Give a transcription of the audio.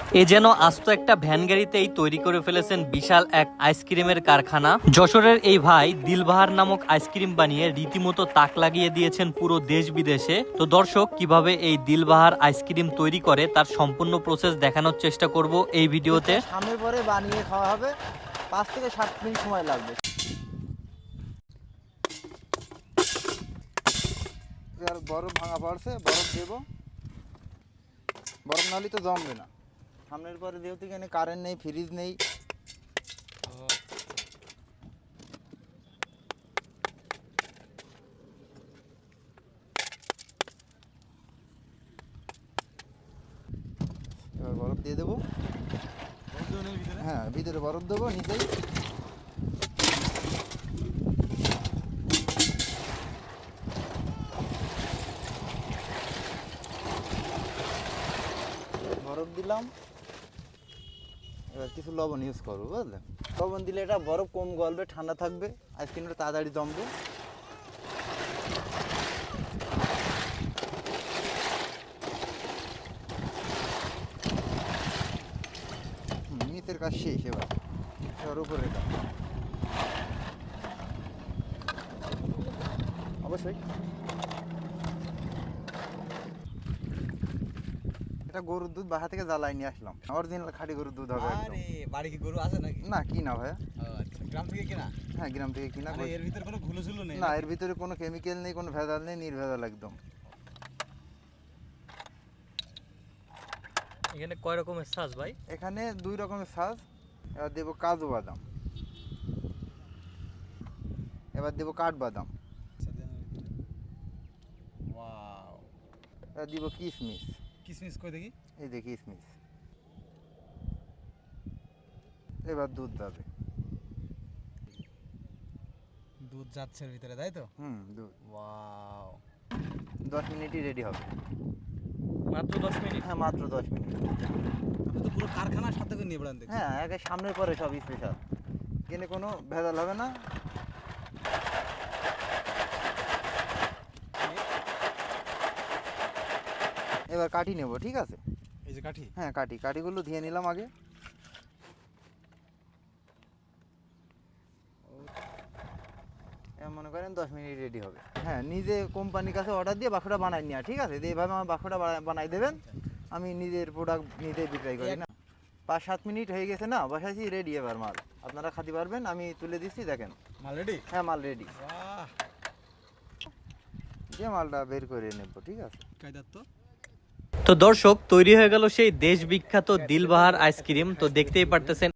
এ যেন আস্ত একটা ভ্যান গাড়িতেই তৈরি করে ফেলেছেন বিশাল এক আইসক্রিমের কারখানা। যশোরের এই ভাই দিলবাহার নামক আইসক্রিম বানিয়ে রীতিমতো তাক লাগিয়ে দিয়েছেন পুরো দেশ বিদেশে। তো দর্শক, কিভাবে এই দিলবাহার আইসক্রিম তৈরি করে তার সম্পূর্ণ প্রসেস দেখানোর চেষ্টা করব এই ভিডিওতে। সামনে পরে বানিয়ে খাওয়া হবে, 5 থেকে 7 মিনিট সময় লাগবে। আর বরফ ভাঙা পড়ছে, বরফ দেবো, বরফ নাহলে তো জমবে না। সামনের পরে যেহেতু এখানে কারেন্ট নেই, ফ্রিজ নেই, এবার বরফ দিয়ে দেবো। হ্যাঁ, ভিতরে বরফ দেবো, নিচেই বরফ দিলাম। এবার কিছু লবণ ইউজ করবো, বুঝলেন? লবণ দিলে এটা বরফ কম গলবে, ঠান্ডা থাকবে, আইসক্রিমটা তাড়াতাড়ি জমবে। নিচের কাজ শেষ, এবার উপরে এটা অবশ্যই। এটা গরুর দুধ বাসা থেকে জ্বালাই নিয়ে আসলাম, অরিজিনাল খাঁটি গরুর দুধ হবে একদম। আরে বাড়ি কি গরু আছে নাকি? না, কিনা ভাইয়া। আচ্ছা, গ্রাম থেকে কিনা? হ্যাঁ, গ্রাম থেকে কিনা। আরে এর ভিতর কোনো ঘুলুঝুলু নেই? না, এর ভিতরে কোনো কেমিক্যাল নেই, কোনো ভেজাল নেই, নির্ভেজাল একদম। এখানে কয় রকমের সাজ ভাই? এখানে 2 রকমের সাজ। এবার দেবো কাজু বাদাম, এবার দেবো কাঠবাদাম, ওয়াও, এবার দিব কিশমিশ। কিসমিস কই দেখি? এই যে কিশমিশ। এবার দুধ যাবে। দুধ যাচ্ছে এর ভিতরে, তাই তো? দুধ। ওয়াও, 10 মিনিটই রেডি হবে। মাত্র 10 মিনিট? হ্যাঁ, মাত্র 10 মিনিট। আপনি তো পুরো কারখানার সাথে করে নিয়ে বেড়ান দেখছি। হ্যাঁ, একে সামনের পরে সব স্পেশাল, এখানে কোনো ভেজাল হবে না। এবার কাঠি নেব, ঠিক আছে? এই যে কাঠি? হ্যাঁ, কাঠিগুলো ধুয়ে নিলাম আগে। মনে করেন 10 মিনিট রেডি হবে। হ্যাঁ, নিজে কোম্পানির কাছে অর্ডার দিয়ে বাক্সটা বানাই নেওয়া, ঠিক আছে? এইভাবে আমার বাক্সটা বানাই দেবেন, আমি নিজের প্রোডাক্ট নিজেই বিক্রয় করি না। 5-7 মিনিট হয়ে গেছে না, বসাইছি, রেডি এবার মাল। আপনারা খাতে পারবেন, আমি তুলে দিচ্ছি, দেখেন। মাল রেডি? হ্যাঁ, মাল রেডি। বাহ, যে মালটা বের করে নেব, ঠিক আছে? কায়দার তো। তো দর্শক, তৈরি হয়ে গেল সেই দেশ বিখ্যাত দিলবাহার আইসক্রিম। তো দেখতেই পারতেছেন